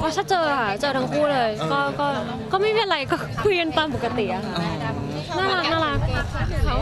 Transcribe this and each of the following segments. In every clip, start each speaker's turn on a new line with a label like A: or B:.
A: อ๋อถ้าเจอค่ะเจอทั้งคู่เลยก็ไม่เป็นไรก็คุยกันตามปกติอะค่ะน่ารักเขา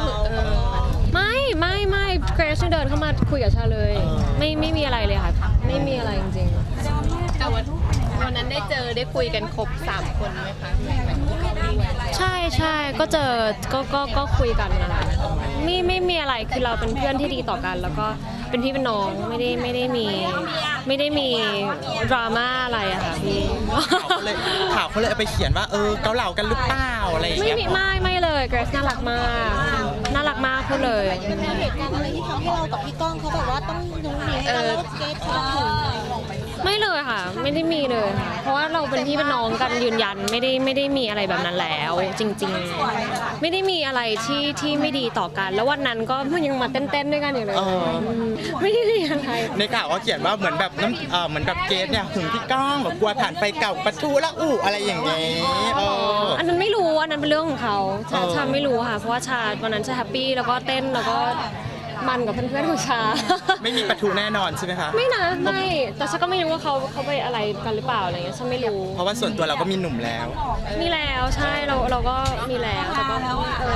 A: ไม่เกรซเดินเข้ามาคุยกับชาเลยไม่มีอะไรเลยค่ะไม่มีอะไรจริงๆ
B: แต่วันนั้นได้คุยกันครบ3 คนไหมคะ
A: ใช่ก็เจอก็คุยกันนะคะไม่มีอะไรคือเราเป็นเพื่อนที่ดีต่อกันแล้วก็เป็นพี่เป็นน้องไม่ได้มีดราม่าอะไรอะค่ะพี่
C: ข่าวเขาเลยเอาไปเขียนว่าเกาเหลากันหรือเปล่าอะไรอย่างเงี้ย
A: ไม่เลยเกรซน่ารักมากพูดเลย
D: มีเหตุการณ์อะไรที่ทำให้เรากับพี่ก้องเขาแบบว่าต้องดูหนีกันแล้วเกตเขาถึง
A: ไม่เลยค่ะไม่ได้มีเลยค่ะเพราะว่าเราเป็นพี่เป็นน้องกันยืนยันไม่ได้มีอะไรแบบนั้นแล้วจริงๆไม่ได้มีอะไรที่ไม่ดีต่อกันแล้ววันนั้นก็ยังมาเต้นด้วยกันอยู่เลยไม่ได้มีอะไร
C: ในข่าวเขาเขียนว่าเหมือนแบบเหมือนแบบเกสเนี่ยหึงพี่ก้องแบบกลัวผ่านไปเก่าประตูละอะไรอย่างเงี้ย
A: อันนั้นไม่รู้อันนั้นเป็นเรื่องของเขาชาไม่รู้ค่ะเพราะว่าชาวันนั้นชาแฮปปี้แล้วก็เต้นแล้วก็มันกับเพื่อนๆของชา
C: ไม่มีประตูแน่นอนใช่ไหมคะ
A: ไม่แต่ฉันก็ไม่รู้ว่าเขาไปอะไรกันหรือเปล่าอะไรเงี้ยฉันไม่รู้
C: เพราะว่าส่วนตัวเราก็มีหนุ่มแล้ว
A: ใช่เราก็มีแล้วแต่ก็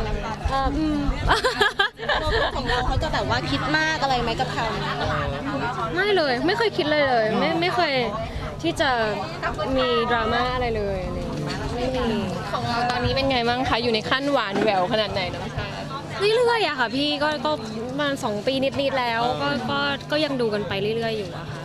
D: ของเราเขาจะแบบว่าคิดมากอะไรไหมกับเขา
A: ไม่เลยไม่เคยคิดเลยไม่เคยที่จะมีดราม่าอะไรเลยไม่มี
B: ของเราตอนนี้เป็นไงบ้างคะอยู่ในขั้นหวานแหววขนาดไหนน้องชา
A: เรื่อยๆอะค่ะพี่ก็ประมาณ2 ปีนิดๆแล้วก็ยังดูกันไปเรื่อยๆอยู่อะค่ะ